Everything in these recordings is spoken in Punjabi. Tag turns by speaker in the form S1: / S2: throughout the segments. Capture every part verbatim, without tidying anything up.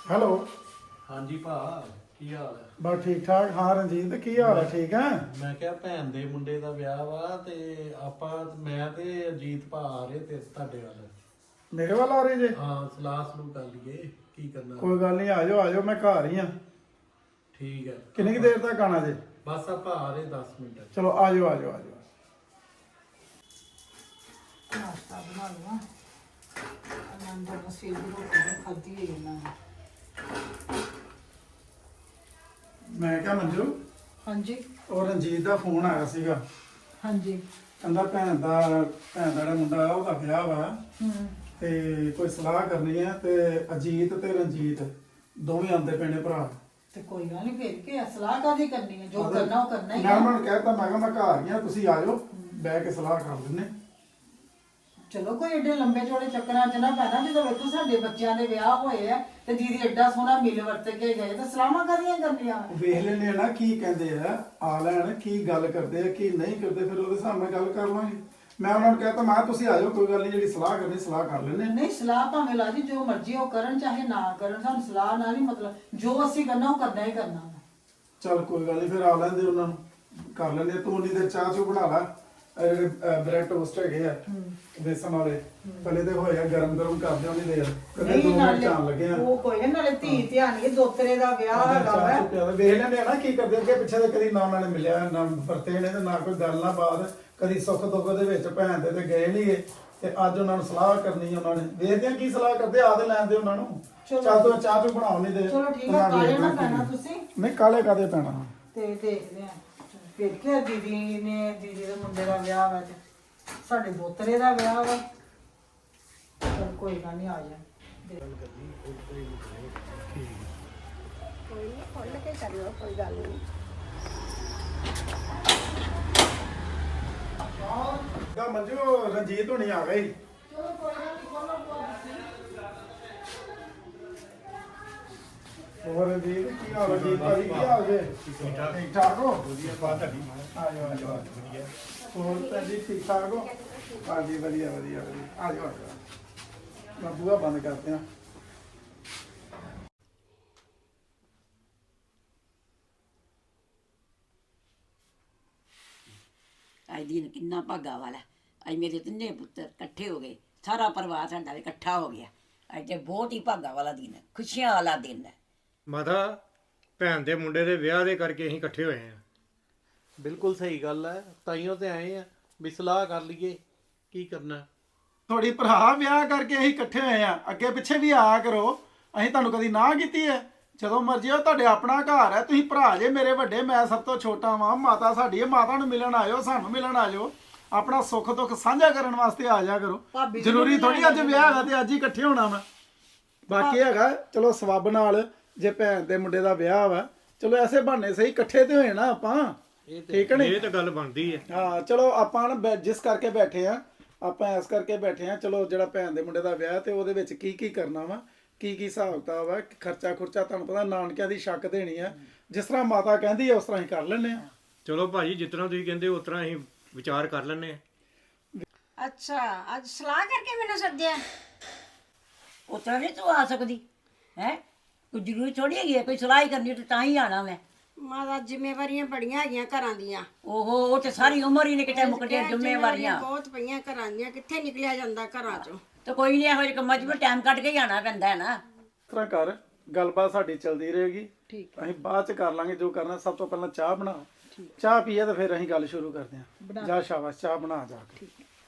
S1: ਹੈਲੋ।
S2: ਹਾਂਜੀ ਭਾ, ਕੀ ਹਾਲ ਹੈ?
S1: ਬਸ ਠੀਕ ਠਾਕ। ਹਾਂ ਰਣਜੀਤ, ਕੀ ਹਾਲ ਹੈ? ਠੀਕ ਹੈ।
S2: ਮੈਂ ਕਿਹਾ ਭੈਣ ਦੇ ਮੁੰਡੇ ਦਾ ਵਿਆਹ ਵਾ ਤੇ ਆਪਾਂ ਮੈਂ ਤੇ ਅਜੀਤ ਭਾ ਆ ਰਹੇ ਤੇ ਤੁਹਾਡੇ ਵੱਲ।
S1: ਮੇਰੇ ਵੱਲ ਆ ਰਹੇ ਜੇ?
S2: ਹਾਂ, ਸਲਾਹ ਸਲੂਹ ਕਰ ਲਈਏ ਕੀ ਕਰਨਾ।
S1: ਕੋਈ ਗੱਲ ਨਹੀਂ, ਆ ਜਾਓ ਆ ਜਾਓ, ਮੈਂ ਘਰ ਹੀ ਆ।
S2: ਠੀਕ ਹੈ।
S1: ਕਿੰਨੀ ਕੁ ਦੇਰ ਤੱਕ ਆਣਾ ਜੇ?
S2: ਬਸ ਆਪਾਂ ਆ ਰਹੇ ਦਸ ਮਿੰਟ।
S1: ਚਲੋ ਆ ਜਾਓ ਆ ਜਾਓ ਆ ਜਾਓ।
S3: ਨਾਸ਼ਤਾ ਬਣਾ ਲਵਾਂ। ਆਨੰਦ ਨਾਲ ਸਵੇਰ ਦੀ ਰੋਟੀ ਖਾਧੀ ਹੈ ਇਹਨਾਂ ਨੇ।
S1: ਮੈਂ ਕਿਹਾ ਮੰਜੂ,
S3: ਹਾਂਜੀ
S1: ਉਹ ਰਣਜੀਤ ਦਾ ਫੋਨ ਆਇਆ ਸੀਗਾ।
S3: ਹਾਂਜੀ।
S1: ਕਹਿੰਦਾ ਭੈਣ ਦਾ ਭੈਣ ਦਾ ਜਿਹੜਾ ਮੁੰਡਾ ਆ ਉਹਦਾ ਵਿਆਹ ਵਾ
S3: ਹੂੰ।
S1: ਤੇ ਕੋਈ ਸਲਾਹ ਕਰਨੀ ਹੈ ਤੇ ਅਜੀਤ ਤੇ ਰਣਜੀਤ ਦੋਵੇਂ ਆਉਂਦੇ ਪਏ ਨੇ ਭਰਾ।
S3: ਤੇ ਕੋਈ ਗੱਲ ਨਹੀਂ, ਫੇਰ ਕੀ ਆ, ਸਲਾਹ ਕਾਹਦੀ ਕਰਨੀ ਹੈ? ਜੋ ਕਰਨਾ ਉਹ ਕਰਨਾ ਹੀ
S1: ਮੈਂ
S3: ਆ।
S1: ਉਹਨਾਂ ਨੂੰ ਕਹਿਤਾ, ਮੈਂ ਕਿਹਾ ਮੈਂ ਘਰ ਹੀ ਆ, ਤੁਸੀਂ ਆ ਜਾਓ, ਬਹਿ ਕੇ ਸਲਾਹ ਕਰ ਲੈਂਦੇ।
S3: ਚਲੋ ਕੋਈ ਏਡੇ ਲੰਬੇ ਚੌੜੇ ਚੱਕਰਾਂ 'ਚ ਨਾ ਪੈਣਾ। ਜਦੋਂ ਵੇਖੋ ਸਾਡੇ ਬੱਚਿਆਂ ਦੇ ਵਿਆਹ ਹੋਏ ਆ ਤੇ ਦੀਦੀ ਐਡਾ ਸੋਹਣਾ ਮਿਲ ਵਰਤ ਕੇ ਗਏ ਤੇ ਸਲਾਹਾਂ ਕਾਹਦੀਆਂ ਕਰਨੀਆਂ?
S1: ਵੇਖ ਲੈਂਦੇ ਆ ਨਾ ਕੀ ਕਹਿੰਦੇ ਆ, ਆ ਲੈਣ ਕੀ ਗੱਲ ਕਰਦੇ ਆ ਕੀ ਨਹੀਂ ਕਰਦੇ, ਫਿਰ ਉਹਦੇ ਹਿਸਾਬ ਨਾਲ ਗੱਲ ਕਰ ਲਾਂਗੇ। ਮੈਂ ਉਹਨਾਂ ਨੂੰ ਕਹਿਤਾ, ਮੈਂ ਕਿਹਾ ਤੁਸੀਂ ਆ ਜਾਓ, ਕੋਈ ਗੱਲ ਨਹੀਂ, ਜਿਹੜੀ ਸਲਾਹ ਕਰਨੀ ਸਲਾਹ ਕਰ ਲੈਂਦੇ।
S3: ਨਹੀਂ, ਸਲਾਹ ਭਾਵੇਂ ਲਾ ਜੀ ਜੋ ਮਰਜ਼ੀ ਉਹ ਕਰਨ ਚਾਹੇ ਨਾ ਕਰਨ, ਸਾਨੂੰ ਸਲਾਹ ਨਾਲ ਨਹੀਂ ਮਤਲਬ, ਜੋ ਅਸੀਂ ਕਰਨਾ ਉਹ ਕਰਨਾ ਹੀ ਕਰਨਾ ਵਾ।
S1: ਚੱਲ ਕੋਈ ਗੱਲ ਨਹੀਂ, ਫਿਰ ਆ ਲੈਂਦੇ ਉਹਨਾਂ ਨੂੰ, ਕਰ ਲੈਂਦੇ। ਤੂੰ ਉਨੀ ਦੇਰ ਚਾਹ ਚੂ ਬਣਾ ਲਾ। ਇਹ ਜਿਹੜੇ ਬ੍ਰੈਡ ਟੋਸਟ ਹੈਗੇ ਆ ਬੇਸਨ ਵਾਲੇ, ਪਹਿਲੇ ਤੇ ਹੋਇਆ ਗਰਮ ਗਰਮ ਕਰਦੇ ਉਹਨੀ ਦੇਰ, ਕਦੇ ਦੋ ਮਿੰਟ ਚਾਣ ਲੱਗੇ ਆ।
S3: ਉਹ ਕੋਈ ਨਾ, ਨਾਲੇ ਧੀ ਧਿਆਨ ਕੇ ਦੋਤਰੇ ਦਾ ਵਿਆਹ ਹੈਗਾ ਵਾ।
S1: ਚਾਹ ਚੂ ਪਿਆ ਵੇਖ ਲੈਂਦੇ ਆ ਨਾ ਕੀ ਕਰਦੇ ਅੱਗੇ ਪਿੱਛੇ। ਤੇ ਕਦੀ ਨਾ ਉਹਨਾਂ ਨੇ ਮਿਲਿਆ ਨਾ ਵਰਤੇ ਨੇ ਤੇ ਨਾ ਕੋਈ ਗੱਲ ਨਾ ਬਾਤ, ਕਦੀ ਸੁੱਖ ਦੁੱਖ ਦੇ ਵਿੱਚ ਭੈਣ ਦੇ ਤੇ ਗਏ ਨਹੀਂ ਗਏ। ਤੇ ਅੱਜ ਉਹਨਾਂ ਨੂੰ ਸਲਾਹ ਕਰਨੀ, ਉਹਨਾਂ ਨੇ ਵੇਖਦੇ ਆ ਕੀ ਸਲਾਹ ਕਰਦੇ, ਆ ਤੇ ਲੈਂਦੇ ਉਹਨਾਂ ਨੂੰ। ਚੱਲ ਤੂੰ ਚਾਹ ਚੂ ਬਣਾਉ ਨਹੀਂ ਦੇ।
S3: ਚਲੋ ਠੀਕ ਆ, ਕਾਲੇ ਨਾ ਪੈਣਾ ਤੁਸੀਂ।
S1: ਨਹੀਂ ਕਾਲੇ ਕਾਦੇ ਪੈਣਾ।
S3: ਤੇ ਦੇਖਦੇ ਆ ਫਿਰ ਕੀ, ਦੀਦੀ ਨੇ ਦੀਦੀ ਦੇ ਮੁੰਡੇ ਦਾ ਵਿਆਹ ਵਾ ਤੇ ਸਾਡੇ ਦੋਤਰੇ ਦਾ ਵਿਆਹ ਵਾ। ਚਲ ਕੋਈ ਗੱਲ ਨਹੀਂ, ਆ ਜਾ।
S4: ਕੋਈ ਨਹੀਂ, ਖੁੱਲ ਕੇ ਕਰਿਓ, ਕੋਈ ਗੱਲ ਨਹੀਂ।
S1: ਦਾ ਮੰਜੂ ਰਣਜੀਤ ਹੋਣੀ ਆ ਗਈ। ਹੋਰ ਰਣਜੀਤ ਕੀ ਹਾਲ ਹੈ? ਜੀਤ ਭਾਜੀ ਕੀ ਹਾਲ ਜੇ? ਠੀਕ ਠਾਕ ਠੀਕ ਠਾਕ ਹੋ? ਵਧੀਆ ਬਾਤ ਤੁਹਾਡੀ। ਆ ਜਾਓ ਆ ਜਾਓ ਵਧੀਆ। ਹੋਰ ਭੈਣ ਜੀ ਠੀਕ ਠਾਕ ਹੋ? ਹਾਂਜੀ ਵਧੀਆ ਵਧੀਆ ਵਧੀਆ। ਆ ਜਾਓ ਆ ਜਾਓ। ਮੈਂ ਬੂਹਾ ਬੰਦ ਕਰਦੇ ਆ।
S5: ਅੱਜ ਦਿਨ ਕਿੰਨਾ ਭਾਗਾ ਵਾਲਾ। ਅੱਜ ਮੇਰੇ ਤਿੰਨੇ ਪੁੱਤਰ ਇਕੱਠੇ ਹੋ ਗਏ, ਸਾਰਾ ਪਰਿਵਾਰ ਸਾਡਾ ਵੀ ਇਕੱਠਾ ਹੋ ਗਿਆ। ਅੱਜ ਤੇ ਬਹੁਤ ਹੀ ਭਾਗਾ ਵਾਲਾ ਦਿਨ ਹੈ, ਖੁਸ਼ੀਆਂ ਵਾਲਾ ਦਿਨ ਹੈ।
S6: ਮਾਤਾ, ਭੈਣ ਦੇ ਮੁੰਡੇ ਦੇ ਵਿਆਹ ਦੇ ਕਰਕੇ ਅਸੀਂ ਇਕੱਠੇ ਹੋਏ ਆ।
S2: ਬਿਲਕੁਲ ਸਹੀ ਗੱਲ ਹੈ, ਤਾਈਓ ਤੇ ਆਏ ਆ ਵੀ ਸਲਾਹ ਕਰ ਲਈਏ ਕੀ ਕਰਨਾ।
S1: ਤੁਹਾਡੀ ਭਰਾ ਵਿਆਹ ਕਰਕੇ ਅਸੀਂ ਇਕੱਠੇ ਹੋਏ ਆ, ਅੱਗੇ ਪਿੱਛੇ ਵੀ ਆਇਆ ਕਰੋ। ਅਸੀਂ ਤੁਹਾਨੂੰ ਕਦੀ ਨਾ ਕੀਤੀ ਹੈ? ਜਦੋਂ ਮਰਜ਼ੀ ਹੋ, ਤੁਹਾਡੇ ਆਪਣਾ ਘਰ ਹੈ। ਤੁਸੀਂ ਭਰਾ ਜੇ ਮੇਰੇ ਵੱਡੇ, ਮੈਂ ਸਭ ਤੋਂ ਛੋਟਾ ਵਾਂ। ਮਾਤਾ ਸਾਡੀ ਹੈ, ਮਾਤਾ ਨੂੰ ਮਿਲਣ ਆਇਓ, ਸਾਨੂੰ ਮਿਲਣ ਆਇਓ। ਆਪਣਾ ਸੁੱਖ ਦੁੱਖ ਸਾਂਝਾ ਕਰਨ ਵਾਸਤੇ ਆ ਜਾ ਕਰੋ। ਜ਼ਰੂਰੀ ਥੋੜੀ ਅੱਜ ਵਿਆਹ ਹੈਗਾ ਤੇ ਅੱਜ ਹੀ ਇਕੱਠੇ ਹੋਣਾ ਵਾ। ਬਾਕੀ ਹੈਗਾ ਚਲੋ ਸਬੱਬ ਨਾਲ, ਜੇ ਭੈਣ ਦੇ ਮੁੰਡੇ ਦਾ ਵਿਆਹ ਵਾ, ਚਲੋ ਐਸੇ ਬਹਾਨੇ ਸਹੀ ਇਕੱਠੇ ਤੇ ਹੋਏ ਨਾ ਆਪਾਂ। ਠੀਕ ਹੈ ਨੀ?
S6: ਇਹ ਤਾਂ ਗੱਲ ਬਣਦੀ ਹੈ।
S1: ਹਾਂ ਚਲੋ ਆਪਾਂ ਨਾ ਬੈ- ਜਿਸ ਕਰਕੇ ਬੈਠੇ ਆ, ਆਪਾਂ ਇਸ ਕਰਕੇ ਬੈਠੇ ਆ। ਚਲੋ ਜਿਹੜਾ ਭੈਣ ਦੇ ਮੁੰਡੇ ਦਾ ਵਿਆਹ ਤੇ ਉਹਦੇ ਵਿੱਚ ਕੀ ਕੀ ਕਰਨਾ ਵਾ, ਕੀ ਕੀ ਹਿਸਾਬ ਕਿਤਾਬ ਆ, ਖਰਚਾ ਖੁਰਚਾ ਤੁਹਾਨੂੰ ਪਤਾ ਨਾਨਕਿਆਂ ਦੀ ਛੱਕ ਦੇਣੀ ਆ। ਜਿਸ ਤਰ੍ਹਾਂ ਮਾਤਾ ਕਹਿੰਦੀ ਆ ਉਸ ਤਰ੍ਹਾਂ ਹੀ ਕਰ ਲੈਂਦੇ ਆ।
S6: ਚਲੋ ਭਾਜੀ, ਜਿਸ ਤਰ੍ਹਾਂ ਤੁਸੀਂ ਕਹਿੰਦੇ ਉਸ ਤਰ੍ਹਾਂ ਅਸੀਂ ਵਿਚਾਰ ਕਰ ਲੈਂਦੇ ਆ।
S4: ਅੱਛਾ, ਅੱਜ ਸਲਾਹ ਕਰਕੇ ਮੈਨੂੰ ਸੱਦਿਆ?
S5: ਉਸ ਤਰ੍ਹਾਂ ਨਹੀਂ ਤੂੰ ਆ ਸਕਦੀ ਹੈ, ਕੋਈ ਜ਼ਰੂਰੀ ਥੋੜੀ ਹੈਗੀ ਹੈ, ਕੋਈ ਸਲਾਹ ਹੀ ਕਰਨੀ ਤੇ ਤਾਂ ਹੀ ਆਣਾ ਮੈਂ।
S4: ਮਾਤਾ, ਜ਼ਿੰਮੇਵਾਰੀਆਂ ਬੜੀਆਂ ਹੈਗੀਆਂ ਘਰਾਂ ਦੀਆਂ।
S5: ਓਹੋ, ਉਹ ਤੇ ਸਾਰੀ ਉਮਰ ਹੀ ਨੇ ਕਿਤੇ ਮੁੱਕਦੀਆਂ ਜ਼ਿੰਮੇਵਾਰੀਆਂ।
S4: ਬਹੁਤ ਪਈਆਂ ਘਰਾਂ ਦੀਆਂ, ਕਿੱਥੇ ਨਿਕਲਿਆ ਜਾਂਦਾ ਘਰਾਂ ਚੋਂ।
S5: ਤੇ ਕੋਈ ਨਹੀਂ, ਇਹੋ ਜਿਹੇ ਕੰਮਾਂ 'ਚ ਵੀ ਟਾਈਮ ਕੱਢ ਕੇ ਹੀ ਆਣਾ ਪੈਂਦਾ ਹੈ ਨਾ।
S1: ਇਸ ਤਰ੍ਹਾਂ ਕਰ, ਗੱਲਬਾਤ ਸਾਡੀ ਚੱਲਦੀ ਰਹੇਗੀ। ਠੀਕ, ਅਸੀਂ ਬਾਅਦ ਚ ਕਰ ਲਾਂਗੇ ਜੋ ਕਰਨਾ। ਸਭ ਤੋਂ ਪਹਿਲਾਂ ਚਾਹ ਬਣਾ, ਚਾਹ ਪੀਏ ਤਾਂ ਫਿਰ ਅਸੀਂ ਗੱਲ ਸ਼ੁਰੂ ਕਰਦੇ ਹਾਂ। ਜਾ ਸ਼ਾਬਾਸ਼, ਚਾਹ ਬਣਾ ਜਾ ਕੇ।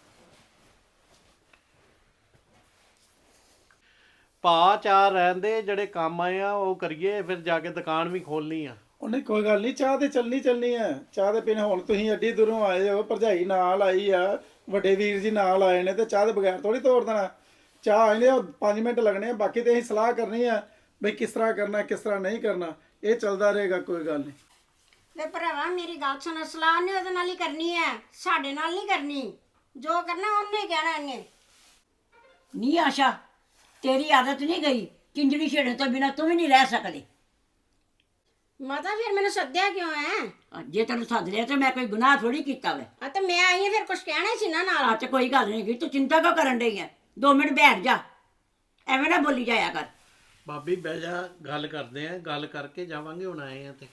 S2: ਭਾ ਚਾਰ ਰਹਿੰਦੇ, ਜਿਹੜੇ ਕੰਮ ਆਏ ਆ ਉਹ ਕਰੀਏ, ਫਿਰ ਜਾ ਕੇ ਦੁਕਾਨ ਵੀ ਖੋਲਣੀ ਆ।
S1: ਉਹਨੇ ਕੋਈ ਗੱਲ ਨਹੀਂ, ਚਾਹ ਤੇ ਚੱਲਣੀ ਚੱਲਣੀ ਹੈ। ਚਾਹ ਦੇ ਪੀਣੇ ਹੁਣ ਤੁਸੀਂ ਐਡੀ ਦੂਰੋਂ ਆਏ ਹੋ, ਭਰਜਾਈ ਨਾਲ ਆਈ ਆ, ਵੱਡੇ ਵੀਰ ਜੀ ਨਾਲ ਆਏ ਨੇ, ਤੇ ਚਾਹ ਦੇ ਬਗੈਰ ਥੋੜੀ ਤੋੜ ਦੇਣਾ। ਚਾਹ ਆਏ ਨੇ ਉਹ ਪੰਜ ਮਿੰਟ ਲੱਗਣੇ ਆ, ਬਾਕੀ ਤੇ ਅਸੀਂ ਸਲਾਹ ਕਰਨੀ ਆ ਬਈ ਕਿਸ ਤਰ੍ਹਾਂ ਕਰਨਾ ਕਿਸ ਤਰ੍ਹਾਂ ਨਹੀਂ ਕਰਨਾ। ਇਹ ਚੱਲਦਾ ਰਹੇਗਾ, ਕੋਈ ਗੱਲ ਨਹੀਂ।
S4: ਵੇ ਭਰਾਵਾ, ਮੇਰੀ ਗੱਲ ਸੁਣ, ਸਲਾਹ ਨੇ ਉਹਦੇ ਨਾਲ ਹੀ ਕਰਨੀ ਹੈ, ਸਾਡੇ ਨਾਲ ਨਹੀਂ ਕਰਨੀ। ਜੋ ਕਰਨਾ ਉਹਨੇ ਕਹਿਣਾ ਇਹਨੇ।
S5: ਨਹੀਂ ਆਸ਼ਾ, ਤੇਰੀ ਆਦਤ ਨਹੀਂ ਗਈ, ਚਿੰਜੜੀ ਛੇੜਨ ਤੋਂ ਬਿਨਾਂ ਤੂੰ ਵੀ ਨਹੀਂ ਰਹਿ ਸਕਦੀ।
S4: ਮਾਤਾ, ਫਿਰ ਮੈਨੂੰ ਸੱਦਿਆ ਕਿਉਂ ਹੈ?
S5: ਜੇ ਤੈਨੂੰ ਸੱਦ ਲਿਆ ਤੇ ਮੈਂ ਕੋਈ ਗੁਨਾਹ ਥੋੜੀ ਕੀਤਾ ਵੇ।
S4: ਆ ਤੇ ਮੈਂ ਆਈ ਹਾਂ, ਫਿਰ ਕੁਝ ਕਹਿਣਾ ਹੀ ਸੀ ਨਾ ਨਾਲ।
S5: ਆ ਤੇ ਕੋਈ ਗੱਲ ਨਹੀਂ, ਤੂੰ ਚਿੰਤਾ ਕਿਉਂ ਕਰਨ ਡਈ ਹੈ? ਦੋ ਮਿੰਟ ਬੈਠ ਜਾ, ਐਵੇਂ ਨਾ ਬੋਲੀ ਜਾਇਆ ਕਰ।
S2: ਭਾਬੀ ਬਹਿ ਜਾ, ਗੱਲ ਕਰਦੇ ਆ, ਗੱਲ ਕਰਕੇ ਜਾਵਾਂਗੇ, ਹੁਣ ਆਏ ਆ ਤੇ।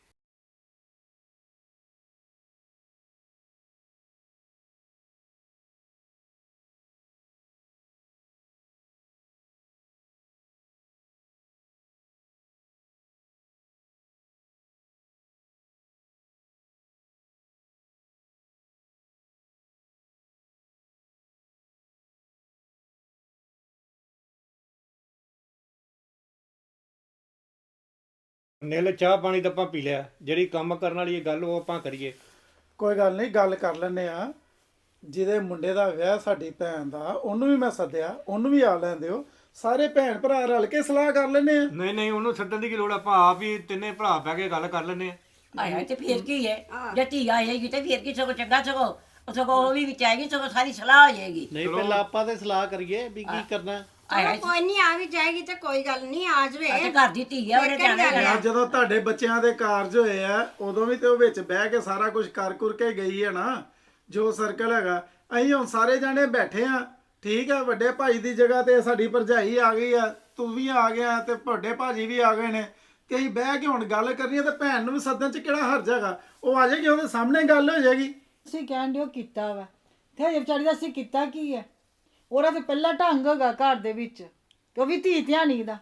S6: ਨਿਲ ਚਾਹ ਪਾਣੀ ਤਾਂ ਆਪਾਂ ਪੀ ਲਿਆ, ਜਿਹੜੀ ਕੰਮ ਕਰਨ ਵਾਲੀ ਇਹ ਗੱਲ ਉਹ ਆਪਾਂ ਕਰੀਏ।
S1: ਕੋਈ ਗੱਲ ਨਹੀਂ, ਗੱਲ ਕਰ ਲੈਂਦੇ ਆ। ਜਿਹਦੇ ਮੁੰਡੇ ਦਾ ਵਿਆਹ ਸਾਡੀ ਭੈਣ ਦਾ, ਉਹਨੂੰ ਵੀ ਮੈਂ ਸੱਦਿਆ, ਉਹਨੂੰ ਵੀ ਆ ਲੈਣ ਦਿਓ। ਸਾਰੇ ਭੈਣ ਭਰਾ ਰਲ ਕੇ ਸਲਾਹ ਕਰ ਲੈਂਦੇ ਆ।
S6: ਨਹੀਂ ਨਹੀਂ, ਉਹਨੂੰ ਸੱਦਣ ਦੀ ਕੀ ਲੋੜ, ਆਪਾਂ ਆਪ ਹੀ ਤਿੰਨੇ ਭਰਾ ਬਹਿ ਕੇ ਗੱਲ ਕਰ ਲੈਂਦੇ ਆ।
S5: ਆਇਆ ਤੇ ਫੇਰ ਕੀ ਹੈ, ਜੇ ਧੀ ਆਏਗੀ ਤੇ ਫੇਰ ਕੀ, ਸਗੋਂ ਚੰਗਾ, ਸਗੋਂ ਉਹ ਸਗੋਂ ਉਹ ਵੀ ਵਿੱਚ ਆਏਗੀ, ਸਗੋਂ ਸਾਰੀ ਸਲਾਹ ਹੋ ਜਾਏਗੀ।
S2: ਨਹੀਂ ਪਹਿਲਾਂ ਆਪਾਂ ਤੇ ਸਲਾਹ ਕਰੀਏ ਵੀ ਕੀ ਕਰਨਾ।
S4: ਚਲੋ ਕੋਈ ਨਹੀਂ, ਆ ਵੀ ਜਾਏਗੀ ਤੇ ਕੋਈ ਗੱਲ ਨਹੀਂ, ਆ
S5: ਤੇ
S4: ਜਵੇ।
S5: ਘਰ ਦੀ ਧੀ ਹੈ, ਉਹਨੇ ਜਾਣਾ ਹੀ
S1: ਯਾਰ ਜਦੋਂ ਤੁਹਾਡੇ ਬੱਚਿਆਂ ਦੇ ਕਾਰਜ ਹੋਏ ਆ, ਉਦੋਂ ਵੀ ਤੇ ਉਹ ਵਿੱਚ ਬਹਿ ਕੇ ਸਾਰਾ ਕੁਝ ਕਰ ਕੁਰ ਕੇ ਗਈ ਹੈ ਨਾ, ਜੋ ਸਰਕਲ ਹੈਗਾ। ਅਸੀਂ ਹੁਣ ਸਾਰੇ ਜਾਣੇ ਬੈਠੇ ਆ, ਠੀਕ ਆ। ਵੱਡੇ ਭਾਈ ਦੀ ਜਗ੍ਹਾ ਤੇ ਸਾਡੀ ਭਰਜਾਈ ਆ ਗਈ ਆ, ਤੂੰ ਵੀ ਆ ਗਿਆ ਤੇ ਵੱਡੇ ਭਾਜੀ ਵੀ ਆ ਗਏ ਨੇ, ਤੇ ਅਸੀਂ ਬਹਿ ਕੇ ਹੁਣ ਗੱਲ ਕਰਨੀ ਹੈ। ਤੇ ਭੈਣ ਨੂੰ ਵੀ ਸੱਦਣ ਚ ਕਿਹੜਾ ਹਰਜ ਹੈਗਾ, ਉਹ ਆ ਜਾਏਗੀ, ਉਹਦੇ ਸਾਹਮਣੇ ਗੱਲ ਹੋ ਜਾਏਗੀ।
S3: ਤੁਸੀਂ ਕਹਿਣ ਦਿਓ ਕੀਤਾ ਵਾ, ਤੇ ਹਜੇ ਵਿਚਾਰੀ ਦਾ ਅਸੀਂ ਕੀਤਾ ਕੀ ਹੈ? ਉਹਦਾ ਤੇ ਪਹਿਲਾ ਢੰਗ ਹੈਗਾ ਘਰ ਦੇ ਵਿੱਚ, ਕਿ ਉਹ ਵੀ ਧੀ ਧਿਆਣੀ ਦਾ।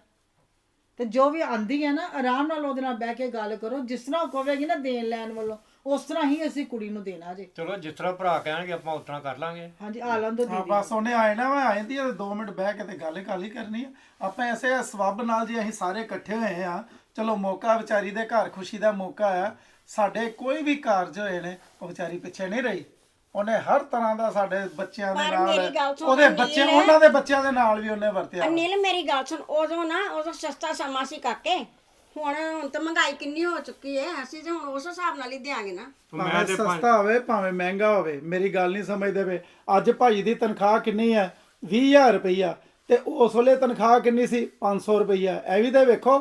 S3: ਤੇ ਜੋ ਵੀ ਆਂਦੀ ਹੈ ਨਾ, ਆਰਾਮ ਨਾਲ ਉਹਦੇ ਨਾਲ ਬਹਿ ਕੇ ਗੱਲ ਕਰੋ। ਜਿਸ ਤਰ੍ਹਾਂ ਉਹ ਕਹੇਗੀ ਨਾ ਦੇਣ ਲੈਣ ਵੱਲੋਂ, ਉਸ ਤਰ੍ਹਾਂ ਹੀ ਅਸੀਂ ਕੁੜੀ ਨੂੰ ਦੇਣਾ ਜੇ।
S6: ਚਲੋ ਜਿਸ ਤਰ੍ਹਾਂ ਭਰਾ ਕਹਿਣਗੇ ਆਪਾਂ ਉਸ ਤਰ੍ਹਾਂ ਕਰ ਲਾਂਗੇ।
S3: ਹਾਂਜੀ, ਆ ਲੰਦੋ
S1: ਹਾਂ
S3: ਦੀਦੀ।
S1: ਬਸ ਉਹਨੇ ਆਏ ਨਾ, ਮੈਂ ਆ ਜਾਂਦੀ ਹੈ, ਦੋ ਮਿੰਟ ਬਹਿ ਕੇ ਤੇ ਗੱਲ ਗੱਲ ਹੀ ਕਰਨੀ ਆ। ਆਪਾਂ ਐਸੇ ਸਬੱਬ ਨਾਲ ਜੀ ਅਸੀਂ ਸਾਰੇ ਇਕੱਠੇ ਹੋਏ ਆ। ਚਲੋ ਮੌਕਾ ਵਿਚਾਰੀ ਦੇ ਘਰ ਖੁਸ਼ੀ ਦਾ ਮੌਕਾ ਆ। ਸਾਡੇ ਕੋਈ ਵੀ ਕਾਰਜ ਹੋਏ ਨੇ, ਉਹ ਵਿਚਾਰੀ ਪਿੱਛੇ ਨਹੀਂ ਰਹੀ। ਉਹਨੇ ਹਰ ਤਰ੍ਹਾਂ ਦਾ ਸਾਡੇ ਬੱਚਿਆਂ ਦੇ
S4: ਪਰ
S1: ਨਾਲ,
S4: ਮੇਰੀ ਗੱਲ ਸੁਣ,
S1: ਉਹਦੇ
S4: ਅਨਿਲ
S1: ਬੱਚੇ, ਉਹਨਾਂ ਦੇ ਬੱਚਿਆਂ ਦੇ ਨਾਲ ਵੀ ਉਹਨੇ ਵਰਤਿਆ।
S4: ਅਨਿਲ ਮੇਰੀ ਗੱਲ ਸੁਣ, ਉਦੋਂ ਨਾ ਉਦੋਂ ਸਸਤਾ ਸਮਾਂ ਸੀ ਕਾਕੇ। ਹੁਣ ਹੁਣ ਤਾਂ ਮਹਿੰਗਾਈ ਕਿੰਨੀ ਹੋ ਚੁੱਕੀ ਹੈ, ਅਸੀਂ ਤੇ ਹੁਣ ਉਸ ਹਿਸਾਬ ਨਾਲ ਹੀ ਦਿਆਂਗੇ ਨਾ।
S1: ਭਾਵੇਂ ਸਸਤਾ ਹੋਵੇ ਭਾਵੇਂ ਮਹਿੰਗਾ ਹੋਵੇ, ਮੇਰੀ ਗੱਲ ਨਹੀਂ ਸਮਝਦੇ ਵੇ। ਅੱਜ ਭਾਈ ਦੀ ਤਨਖਾਹ ਕਿੰਨੀ ਹੈ? ਵੀਹ ਹਜ਼ਾਰ ਰੁਪਈਆ। ਤੇ ਉਸ ਵੇਲੇ ਤਨਖਾਹ ਕਿੰਨੀ ਸੀ? ਪੰਜ ਸੌ ਰੁਪਈਆ। ਇਹ ਵੀ ਤੇ ਵੇਖੋ।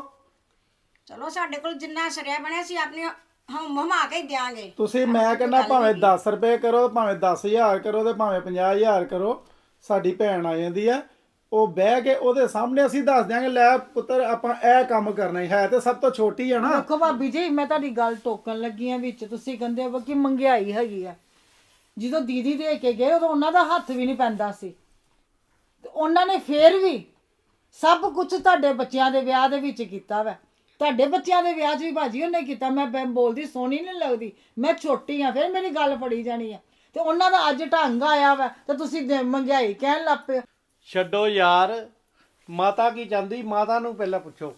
S4: ਚਲੋ ਸਾਡੇ ਕੋਲ ਜਿੰਨਾ ਸਰਿਆ ਬਣਿਆ ਸੀ ਆਪਣੇ ਹਮ ਹਮਾ ਕੇ ਹੀ ਦਿਆਂਗੇ।
S1: ਤੁਸੀਂ, ਮੈਂ ਕਹਿੰਦਾ ਭਾਵੇਂ ਦਸ ਰੁਪਏ ਕਰੋ, ਭਾਵੇਂ ਦਸ ਹਜ਼ਾਰ ਕਰੋ, ਤੇ ਭਾਵੇਂ ਪੰਜਾਹ ਹਜ਼ਾਰ ਕਰੋ। ਸਾਡੀ ਭੈਣ ਆ ਜਾਂਦੀ ਆ, ਉਹ ਬਹਿ ਕੇ ਉਹਦੇ ਸਾਹਮਣੇ ਅਸੀਂ ਦੱਸ ਦਿਆਂਗੇ, ਲੈ ਪੁੱਤਰ ਆਪਾਂ ਇਹ ਕੰਮ ਕਰਨਾ ਹੀ ਹੈ। ਤੇ ਸਭ ਤੋਂ ਛੋਟੀ ਆ ਨਾ।
S3: ਦੇਖੋ ਭਾਬੀ ਜੀ, ਮੈਂ ਤੁਹਾਡੀ ਗੱਲ ਟੋਕਣ ਲੱਗੀ ਆ ਵਿੱਚ। ਤੁਸੀਂ ਕਹਿੰਦੇ ਹੋ ਕਿ ਮਹਿੰਗਾਈ ਹੈਗੀ ਆ। ਜਦੋਂ ਦੀਦੀ ਦੇ ਕੇ ਗਏ, ਉਦੋਂ ਉਹਨਾਂ ਦਾ ਹੱਥ ਵੀ ਨਹੀਂ ਪੈਂਦਾ ਸੀ, ਤੇ ਉਹਨਾਂ ਨੇ ਫੇਰ ਵੀ ਸਭ ਕੁਝ ਤੁਹਾਡੇ ਬੱਚਿਆਂ ਦੇ ਵਿਆਹ ਦੇ ਵਿੱਚ ਕੀਤਾ ਵਾ। ਤੁਹਾਡੇ ਬੱਚਿਆਂ ਦੇ ਵਿਆਹ 'ਚ ਵੀ ਭਾਜੀ ਉਹਨੇ ਕੀਤਾ। ਮੈਂ ਬ- ਬੋਲਦੀ ਸੋਹਣੀ ਨਹੀਂ ਲੱਗਦੀ, ਮੈਂ ਛੋਟੀ ਆ, ਫਿਰ ਮੇਰੀ ਗੱਲ ਫੜੀ ਜਾਣੀ ਆ। ਤੇ ਉਹਨਾਂ ਦਾ ਅੱਜ ਢੰਗ ਆਇਆ ਵਾ, ਤੇ ਤੁਸੀਂ ਦੇ- ਮਹਿੰਗਾਈ ਕਹਿਣ ਲੱਗ ਪਏ।
S2: ਛੱਡੋ ਯਾਰ, ਮਾਤਾ ਕੀ ਚਾਹੁੰਦੀ, ਮਾਤਾ ਨੂੰ ਪਹਿਲਾਂ ਪੁੱਛੋ।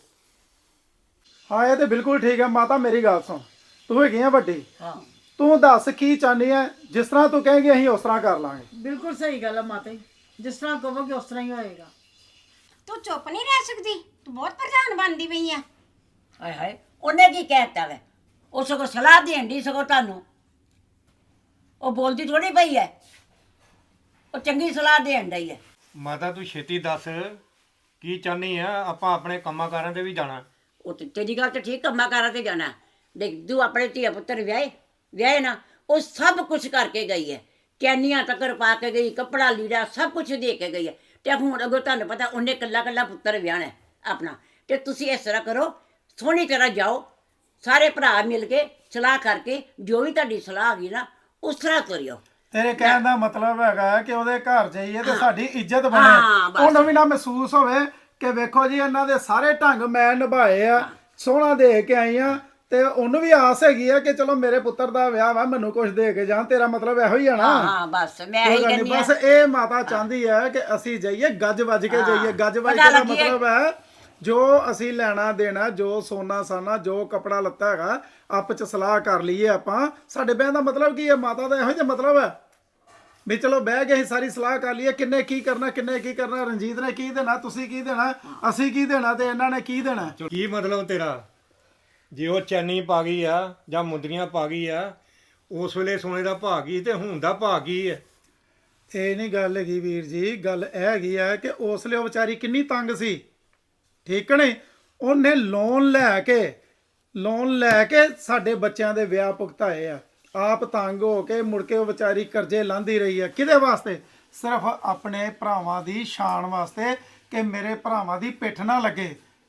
S1: ਹਾਂ ਇਹ ਤੇ ਬਿਲਕੁਲ ਠੀਕ ਹੈ। ਮਾਤਾ ਮੇਰੀ ਗੱਲ ਸੁਣ, ਤੂੰ ਹੈਗੀ ਆ ਵੱਡੀ,
S5: ਹਾਂ,
S1: ਤੂੰ ਦੱਸ ਕੀ ਚਾਹੁੰਦੀ ਹੈ। ਜਿਸ ਤਰ੍ਹਾਂ ਤੂੰ ਕਹੇਂਗੀ ਅਸੀਂ ਉਸ ਤਰ੍ਹਾਂ ਕਰ ਲਾਂਗੇ।
S3: ਬਿਲਕੁਲ ਸਹੀ ਗੱਲ ਆ ਮਾਤਾ ਜੀ, ਜਿਸ ਤਰ੍ਹਾਂ ਕਹੋਗੇ ਉਸ ਤਰ੍ਹਾਂ ਹੀ ਹੋਏਗਾ।
S4: ਤੂੰ ਚੁੱਪ ਨਹੀਂ ਰਹਿ ਸਕਦੀ, ਤੂੰ ਬਹੁਤ ਪ੍ਰਧਾਨ ਬਣਦੀ ਪਈ ਆ।
S5: ਹਾਏ ਹਾਏ, ਉਹਨੇ ਕੀ ਕਹਿਤਾ ਵੇ? ਉਹ ਸਗੋਂ ਸਲਾਹ ਦੇਣ ਦੀ, ਸਗੋਂ ਤੁਹਾਨੂੰ ਉਹ ਬੋਲਦੀ ਥੋੜੀ ਪਈ ਹੈ, ਉਹ ਚੰਗੀ ਸਲਾਹ ਦੇਣ ਡਈ ਹੈ।
S6: ਮਾਤਾ ਤੂੰ ਛੇਤੀ ਦੱਸ ਕੀ ਚਾਹਨੀ ਆ, ਆਪਾਂ ਆਪਣੇ ਕੰਮਾਂ ਕਾਰਾਂ ਤੇ ਵੀ ਜਾਣਾ।
S5: ਉਹ ਤੇ ਤੇਰੀ ਗੱਲ ਤੇ ਠੀਕ, ਕੰਮਾਂ ਕਾਰਾਂ ਤੇ ਜਾਣਾ। ਦੇਖ ਤੂੰ ਆਪਣੇ ਧੀਆ ਪੁੱਤਰ ਵਿਆਹੇ ਵਿਆਹੇ ਨਾ, ਉਹ ਸਭ ਕੁਝ ਕਰਕੇ ਗਈ ਹੈ। ਕੈਨੀਆਂ ਤੱਕਰ ਪਾ ਕੇ ਗਈ, ਕੱਪੜਾ ਲੀੜਾ ਸਭ ਕੁਝ ਦੇ ਕੇ ਗਈ ਹੈ। ਤੇ ਹੁਣ ਅਗਰ ਤੁਹਾਨੂੰ ਪਤਾ ਉਹਨੇ ਕੱਲਾ ਕੱਲਾ ਪੁੱਤਰ ਵਿਆਹਣਾ ਆਪਣਾ, ਤੇ ਤੁਸੀਂ ਇਸ ਤਰ੍ਹਾਂ ਕਰੋ, ਸੋਹਣੀ ਤਰ੍ਹਾਂ ਜਾਓ, ਸਾਰੇ ਭਰਾ ਮਿਲ ਕੇ ਸਲਾਹ ਕਰਕੇ, ਜੋ ਵੀ ਤੁਹਾਡੀ ਸਲਾਹ ਹੈਗੀ ਨਾ ਉਸ ਤਰ੍ਹਾਂ ਕਰਿਓ।
S1: ਤੇਰੇ ਕਹਿਣ ਦਾ ਮਤਲਬ ਹੈਗਾ ਕਿ ਉਹਦੇ ਘਰ ਜਾਈਏ ਤੇ ਸਾਡੀ ਇੱਜ਼ਤ
S5: ਹਾਂ,
S1: ਬਣੇ,
S5: ਬਸ।
S1: ਉਹਨੂੰ ਵੀ ਨਾ ਮਹਿਸੂਸ ਹੋਵੇ ਕਿ ਵੇਖੋ ਜੀ ਇਹਨਾਂ ਦੇ ਸਾਰੇ ਢੰਗ ਮੈਂ ਨਿਭਾਏ ਆ, ਸੋਹਣਾ ਦੇ ਕੇ ਆਈ ਆ। ਤੇ ਉਹਨੂੰ ਵੀ ਆਸ ਹੈਗੀ ਆ ਕਿ ਚਲੋ ਮੇਰੇ ਪੁੱਤਰ ਦਾ ਵਿਆਹ ਵਾ, ਮੈਨੂੰ ਕੁਝ ਦੇ ਕੇ ਜਾਣ। ਤੇਰਾ ਮਤਲਬ ਇਹੋ ਹੀ ਆ ਨਾ?
S5: ਹਾਂ ਹਾਂ, ਬਸ ਮੈਂ
S1: ਕੋਈ
S5: ਇਹੀ
S1: ਗੱਲ ਨੀ,
S5: ਕਹਿੰਦੀ
S1: ਬਸ
S5: ਹਾਂ।
S1: ਇਹ ਮਾਤਾ ਚਾਹੁੰਦੀ ਹੈ ਕਿ ਅਸੀਂ ਜਾਈਏ ਗੱਜ ਵੱਜ ਕੇ ਜਾਈਏ। ਗੱਜ ਵੱਜ
S5: ਪਤਾ
S1: ਕੇ ਦਾ
S5: ਲੱਗੀ ਹੈ।
S1: ਮਤਲਬ ਹੈ ਜੋ ਅਸੀਂ ਲੈਣਾ ਦੇਣਾ, ਜੋ ਸੋਨਾ ਸਾਨਾ, ਜੋ ਕਪੜਾ ਲੱਤਾ ਹੈਗਾ, ਆਪਸ ਚ ਸਲਾਹ ਕਰ ਲਈਏ ਆਪਾਂ। ਸਾਡੇ ਬਹਿਣ ਦਾ ਮਤਲਬ ਕੀ ਹੈ? ਮਾਤਾ ਦਾ ਇਹੋ ਜਿਹਾ ਮਤਲਬ ਹੈ ਵੀ ਚਲੋ ਬਹਿ ਕੇ ਅਸੀਂ ਸਾਰੀ ਸਲਾਹ ਕਰ ਲਈਏ, ਕਿੰਨੇ ਕੀ ਕਰਨਾ, ਕਿੰਨੇ ਕੀ ਕਰਨਾ, ਰਣਜੀਤ ਨੇ ਕੀ ਦੇਣਾ, ਤੁਸੀਂ ਕੀ ਦੇਣਾ, ਅਸੀਂ ਕੀ ਦੇਣਾ, ਤੇ ਇਹਨਾਂ ਨੇ ਕੀ ਦੇਣਾ।
S6: ਕੀ ਮਤਲਬ ਤੇਰਾ? ਜੇ ਉਹ ਚੈਨੀ ਪਾ ਗਈ ਆ ਜਾਂ ਮੁੰਦਰੀਆਂ ਪਾ ਗਈ ਆ, ਉਸ ਵੇਲੇ ਸੋਨੇ ਦਾ ਭਾਅ ਕੀ ਤੇ ਹੁਣ ਦਾ ਭਾਅ ਕੀ ਹੈ?
S1: ਇਹ ਨਹੀਂ ਗੱਲ ਹੈਗੀ ਵੀਰ ਜੀ, ਗੱਲ ਇਹ ਹੈਗੀ ਆ ਕਿ ਉਸ ਲਈ ਉਹ ਵਿਚਾਰੀ ਕਿੰਨੀ ਤੰਗ ਸੀ, ਠੀਕ ਨੇ? ਉਹਨੇ ਲੋਨ ਲੈ ਕੇ ਲੋਨ ਲੈ ਕੇ ਸਾਡੇ ਬੱਚਿਆਂ ਦੇ ਵਿਆਹ ਭੁਗਤਾਏ ਆ। ਆਪ ਤੰਗ ਹੋ ਕੇ ਮੁੜ ਕੇ ਉਹ ਵਿਚਾਰੀ ਕਰਜ਼ੇ ਲਾਂਦੀ ਰਹੀ ਆ। ਕਿਹਦੇ ਵਾਸਤੇ? ਸਿਰਫ ਆਪਣੇ ਭਰਾਵਾਂ ਦੀ ਸ਼ਾਨ ਵਾਸਤੇ, ਕਿ ਮੇਰੇ ਭਰਾਵਾਂ ਦੀ ਪਿੱਠ ਨਾ ਲੱਗੇ।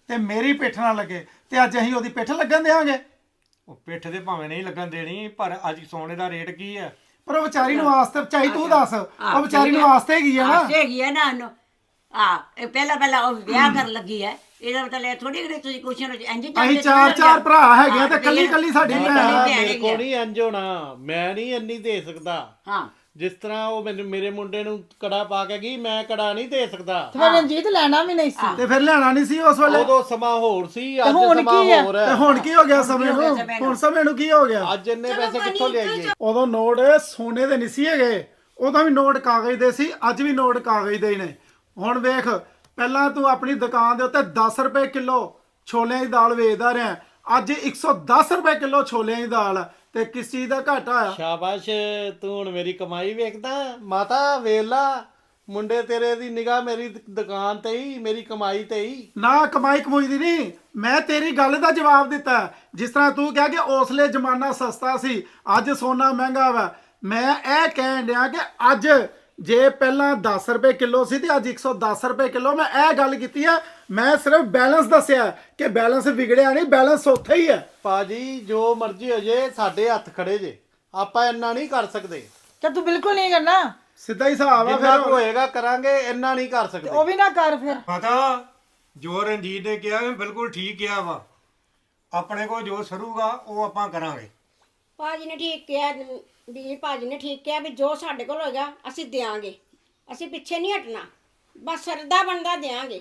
S1: ਤੇ ਮੇਰੀ ਪਿੱਠ ਨਾ ਲੱਗੇ ਤੇ ਅੱਜ ਅਸੀਂ ਉਹਦੀ ਪਿੱਠ ਲੱਗਣ ਦੇਵਾਂਗੇ?
S6: ਉਹ ਪਿੱਠ ਤੇ ਭਾਵੇਂ ਨਹੀਂ ਲੱਗਣ ਦੇਣੀ, ਪਰ ਅੱਜ ਸੋਨੇ ਦਾ ਰੇਟ ਕੀ ਹੈ?
S1: ਪਰ ਉਹ ਵਿਚਾਰੀ ਨੂੰ ਆਸਤੇ ਚਾਹੀ ਤੂੰ ਦੱਸ, ਉਹ ਵਿਚਾਰੀ ਨੂੰ ਆਸਤੇ ਹੈਗੀ ਆ ਨਾ।
S5: ਆਸੇ ਹੈਗੀ ਹੈ ਨਾ ਉਹਨੂੰ। ਆ ਇਹ ਪਹਿਲਾਂ ਪਹਿਲਾਂ ਉਹ ਵਿਆਹ ਕਰਨ ਲੱਗੀ ਹੈ, ਇਹਦਾ ਮਤਲਬ ਇਹ ਥੋੜੀ ਕਿ ਤੁਸੀਂ ਕੁਛ ਨਾ ਇੰਜ
S1: ਅਸੀਂ ਚਾਰ ਚਾਰ ਭਰਾ ਹੈਗੇ ਆ ਤੇ ਕੱਲੀ ਕੱਲੀ ਸਾਡੀ ਭੈਣ ਆ।
S2: ਮੇਰੇ ਕੋਲ ਨਹੀਂ ਇੰਜ ਹੋਣਾ, ਮੈਂ ਨਹੀਂ ਇੰਨੀ ਦੇ ਸਕਦਾ।
S5: ਹਾਂ
S2: ਜਿਸ ਤਰ੍ਹਾਂ ਉਹ ਮੈਨੂੰ ਮੇਰੇ ਮੁੰਡੇ ਨੂੰ ਕੜਾ ਪਾ ਕੇ ਗਈ, ਮੈਂ ਕੜਾ ਨਹੀਂ ਦੇ ਸਕਦਾ।
S3: ਤੇ ਫਿਰ ਰਣਜੀਤ ਲੈਣਾ ਵੀ ਨਹੀਂ ਸੀ।
S1: ਤੇ ਫਿਰ ਲੈਣਾ ਨਹੀਂ ਸੀ ਉਸ ਵੇਲੇ?
S2: ਉਦੋਂ ਸਮਾਂ ਹੋਰ ਸੀ, ਅੱਜ
S3: ਹੁਣ
S2: ਸਮਾਂ
S3: ਕੀ ਹੈ?
S2: ਹੋਰ
S1: ਤੇ
S2: ਹੈ।
S1: ਹੁਣ ਕੀ ਹੋ ਗਿਆ ਸਮੇਂ ਨੂੰ? ਹੁਣ ਸਮੇਂ ਨੂੰ ਕੀ ਹੋ ਗਿਆ?
S2: ਅੱਜ ਇੰਨੇ ਪੈਸੇ ਕਿੱਥੋਂ ਲਿਆਈਏ?
S1: ਉਦੋਂ ਨੋਟ ਸੋਨੇ ਦੇ ਨਹੀਂ ਸੀ ਹੈਗੇ, ਉਦੋਂ ਵੀ ਨੋਟ ਕਾਗਜ਼ ਦੇ ਸੀ, ਅੱਜ ਵੀ ਨੋਟ ਕਾਗਜ਼ ਦੇ ਹੀ ਨੇ। ਹੁਣ ਵੇਖ, ਪਹਿਲਾਂ ਤੂੰ ਆਪਣੀ ਦੁਕਾਨ ਦੇ ਉੱਤੇ ਦਸ ਰੁਪਏ ਕਿਲੋ ਛੋਲਿਆਂ ਦੀ ਦਾਲ ਵੇਚਦਾ ਰਿਹਾ, ਅੱਜ ਇੱਕ ਸੌ ਦਸ ਰੁਪਏ ਕਿਲੋ ਛੋਲਿਆਂ ਦੀ ਦਾਲ ਆ, ਤੇ ਕਿਸ ਚੀਜ਼ ਦਾ ਘਾਟਾ ਆ?
S2: ਸ਼ਾਬਾਸ਼, ਤੂੰ ਹੁਣ ਮੇਰੀ ਕਮਾਈ ਵੇਖਦਾ। ਮਾਤਾ ਵੇਲਾ, ਮੁੰਡੇ ਤੇਰੇ ਦੀ ਨਿਗਾਹ ਮੇਰੀ ਦ- ਦੁਕਾਨ ਤੇ ਹੀ, ਮੇਰੀ ਕਮਾਈ ਤੇ ਹੀ।
S1: ਨਾ ਕਮਾਈ ਕਮੂਈ ਦੀ ਨਹੀਂ, ਮੈਂ ਤੇਰੀ ਗੱਲ ਦਾ ਜਵਾਬ ਦਿੱਤਾ। ਜਿਸ ਤਰ੍ਹਾਂ ਤੂੰ ਕਿਹਾ ਕਿ ਉਸਲੇ ਜ਼ਮਾਨਾ ਸਸਤਾ ਸੀ, ਅੱਜ ਸੋਨਾ ਮਹਿੰਗਾ ਵਾ। ਮੈਂ ਇਹ ਕਹਿਣ ਡਿਆ ਕਿ ਅੱਜ ਜੇ ਪਹਿਲਾਂ ਦਸ ਰੁਪਏ ਕਿਲੋ ਸੀ ਤੇ ਅੱਜ ਇੱਕ ਸੌ ਦਸ ਰੁਪਏ ਕਿਲੋ। ਮੈਂ ਇਹ ਗੱਲ ਕੀਤੀ ਆ, ਮੈਂ ਸਿਰਫ ਬੈਲੈਂਸ ਦੱਸਿਆ ਕਿ ਬੈਲੈਂਸ ਵਿਗੜਿਆ ਨਹੀਂ, ਬੈਲੈਂਸ ਉੱਥੇ ਹੀ ਹੈ।
S2: ਪਾਜੀ ਜੋ ਮਰਜ਼ੀ ਹੋ ਜੇ, ਸਾਡੇ ਹੱਥ ਖੜੇ ਜੇ, ਆਪਾਂ ਇੰਨਾ ਨਹੀਂ ਕਰ ਸਕਦੇ।
S3: ਤੇ ਤੂੰ ਬਿਲਕੁਲ ਨਹੀਂ ਕਰਨਾ,
S1: ਸਿੱਧਾ ਹੀ ਹਿਸਾਬ ਆ
S2: ਜਿੰਨਾ
S1: ਫਿਰ।
S2: ਕੁ ਹੋਏਗਾ ਕਰਾਂਗੇ, ਇੰਨਾ ਨਹੀਂ ਕਰ ਸਕਦੇ।
S3: ਉਹ ਵੀ ਨਾ ਕਰ ਫਿਰ।
S6: ਪਤਾ ਜੋ ਰਣਜੀਤ ਨੇ ਕਿਹਾ ਬਿਲਕੁਲ ਠੀਕ ਕਿਹਾ ਵਾ। ਆਪਣੇ ਕੋਲ ਜੋ ਸਰੂਗਾ ਉਹ ਆਪਾਂ ਕਰਾਂਗੇ।
S4: ਭਾਜੀ ਨੇ ਠੀਕ ਕਿਹਾ, ਵੀ ਭਾਜੀ ਨੇ ਠੀਕ ਕਿਹਾ ਵੀ ਜੋ ਸਾਡੇ ਕੋਲ ਹੋਏਗਾ ਅਸੀਂ ਦਿਆਂਗੇ, ਅਸੀਂ ਪਿੱਛੇ ਨਹੀਂ ਹਟਣਾ, ਬਸ ਸਰਦਾ ਬਣਦਾ ਦਿਆਂਗੇ।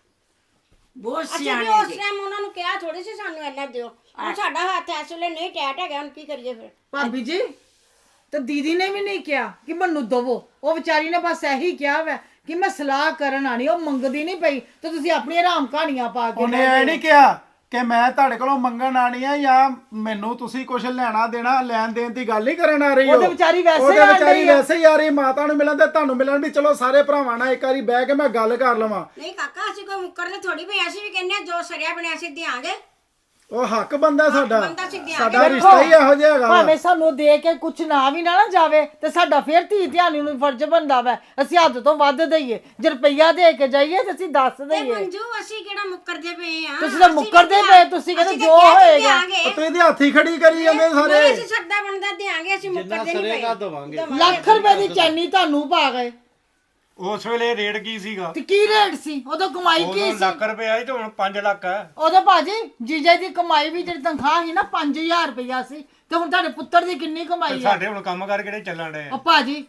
S5: ਬਹੁਤ
S4: ਅਸੀਂ ਵੀ
S5: ਸਿਆਣੇ
S4: ਉਸ
S5: ਜੀ।
S4: ਟਾਈਮ ਉਹਨਾਂ ਨੂੰ ਕਿਹਾ ਥੋੜੀ ਸੀ ਸਾਨੂੰ ਇੰਨਾ ਦਿਓ, ਹੁਣ ਸਾਡਾ ਹੱਥ ਇਸ ਵੇਲੇ ਨਹੀਂ ਟੈਟ ਹੈਗਾ, ਹੁਣ ਕੀ ਕਰੀਏ ਫਿਰ?
S3: ਭਾਬੀ ਜੀ ਤੇ ਦੀਦੀ ਨੇ ਵੀ ਨਹੀਂ ਕਿਹਾ ਕਿ ਮੈਨੂੰ ਦਵੋ, ਉਹ ਵਿਚਾਰੀ ਨੇ ਬਸ ਇਹੀ ਕਿਹਾ ਵੈ ਕਿ ਮੈਂ ਸਲਾਹ ਕਰਨ ਆਣੀ, ਉਹ ਮੰਗਦੀ ਨਹੀਂ ਪਈ ਤੇ ਤੁਸੀਂ ਆਪਣੀ ਆਰਾਮ ਕਹਾਣੀਆਂ ਪਾ ਕੇ
S1: ਉਹਨੇ ਇਹ ਨਹੀਂ ਕਿਹਾ ਕਿ ਮੈਂ ਤੁਹਾਡੇ ਕੋਲੋਂ ਮੰਗਣ ਆਣੀ ਆ ਜਾਂ ਮੈਨੂੰ ਤੁਸੀਂ ਕੁਝ ਲੈਣਾ ਦੇਣਾ ਲੈਣ ਦੇਣ ਦੀ ਗੱਲ ਹੀ ਕਰਨ ਆ ਰਹੀ ਹੋ।
S3: ਉਹਦੇ ਵਿਚਾਰੀ ਵੈਸੇ
S1: ਉਹਦੇ
S3: ਹੀ ਆਣ
S1: ਵਿਚਾਰੀ
S3: ਡਈ ਆ।
S1: ਵੈਸੇ ਹੀ ਆ ਰਹੀ, ਮਾਤਾ ਨੂੰ ਮਿਲਣ ਤੇ ਤੁਹਾਨੂੰ ਮਿਲਣ ਵੀ ਚਲੋ ਸਾਰੇ ਭਰਾਵਾਂ ਨਾਲ ਇੱਕ ਵਾਰੀ ਬਹਿ ਕੇ ਮੈਂ ਗੱਲ ਕਰ ਲਵਾਂ।
S4: ਨਹੀਂ ਕਾਕਾ, ਅਸੀਂ ਕੋਈ ਮੁੱਕਰਦੇ ਥੋੜੀ ਪਏ, ਅਸੀਂ ਵੀ ਕਹਿੰਦੇ ਹਾਂ ਜੋ ਸਰਿਆ ਬਣਿਆ ਅਸੀਂ ਦਿਆਂਗੇ।
S1: ਉਹ ਹੱਕ ਬੰਦਾ ਸਾਡਾ,
S4: ਬੰਦਾ ਸੀ ਦਿਆਂਗੇ।
S1: ਸਾਡਾ ਰਿਸ਼ਤਾ ਹੀ ਇਹੋ ਜਿਹਾ ਹੈਗਾ ਵਾ।
S3: ਭਾਵੇਂ ਸਾਨੂੰ ਦੇ ਕੇ ਕੁਛ ਨਾ ਵੀ ਨਾ ਨਾ ਜਾਵੇ ਤੇ ਸਾਡਾ ਫੇਰ ਧੀ ਧਿਆਨੀ ਨੂੰ ਫਰਜ਼ ਬਣਦਾ ਵੈ ਅਸੀਂ ਹੱਦ ਤੋਂ ਵੱਧ ਦਈਏ। ਜੇ ਰੁਪਈਆ ਦੇ ਕੇ ਜਾਈਏ ਤੇ ਅਸੀਂ ਦੱਸ
S4: ਤੇ
S3: ਦਈਏ।
S4: ਮੰਜੂ ਅਸੀਂ ਕਿਹੜਾ ਮੁੱਕਰਦੇ ਪਏ ਆ?
S3: ਤੁਸੀਂ ਤਾਂ
S4: ਅਸੀਂ
S3: ਮੁੱਕਰਦੇ
S4: ਵੀ
S3: ਪਏ, ਤੁਸੀਂ ਕਹਿੰਦੇ
S4: ਅਸੀਂ ਤਾਂ
S3: ਜੋ
S4: ਕਿਹਾ ਸੀ
S3: ਹੋਏਗਾ।
S4: ਦਿਆਂਗੇ।
S1: ਉਹ ਤੂੰ ਇਹਦੇ ਹੱਥੀ ਖੜੀ ਕਰੀ ਜਾਂਦੇ ਸਾਰੇ।
S4: ਨਹੀਂ, ਅਸੀਂ ਸਰਦਾ ਬਣਦਾ ਦਿਆਂਗੇ, ਅਸੀਂ
S2: ਜਿੰਨਾ
S4: ਮੁੱਕਰਦੇ ਨਹੀਂ
S2: ਸਰੇਗਾ
S4: ਪਏ।
S2: ਦਵਾਂਗੇ।
S3: ਲੱਖ ਰੁਪਏ ਦੀ ਚੈਨੀ ਤੁਹਾਨੂੰ ਪਾ ਗਏ
S6: ਉਸ ਵੇਲੇ ਰੇਟ ਕੀ ਸੀਗਾ?
S3: ਤੇ ਕੀ ਰੇਟ ਸੀ ਉਦੋਂ? ਕਮਾਈ ਕੀ
S6: ਉਦੋਂ
S3: ਸੀ
S6: ਲੱਖ ਰੁਪਏ ਆਈ ਤੇ ਹੁਣ ਪੰਜ ਲੱਖ ਹੈ।
S3: ਉਦੋਂ? ਭਾਜੀ ਜੀਜੇ ਦੀ ਕਮਾਈ ਵੀ ਜਿਹੜੀ ਤਨਖਾਹ ਸੀ ਨਾ ਪੰਜ ਹਜ਼ਾਰ ਰੁਪਇਆ ਸੀ, ਤੇ ਹੁਣ ਤੁਹਾਡੇ ਪੁੱਤਰ ਦੀ ਕਿੰਨੀ
S6: ਤੇ
S3: ਕਮਾਈ ਆ?
S6: ਸਾਡੇ ਹੁਣ ਕੰਮ ਕਰ ਕਿਹੜੇ ਚੱਲਣ ਡਏ ਆ?
S3: ਉਹ ਭਾਜੀ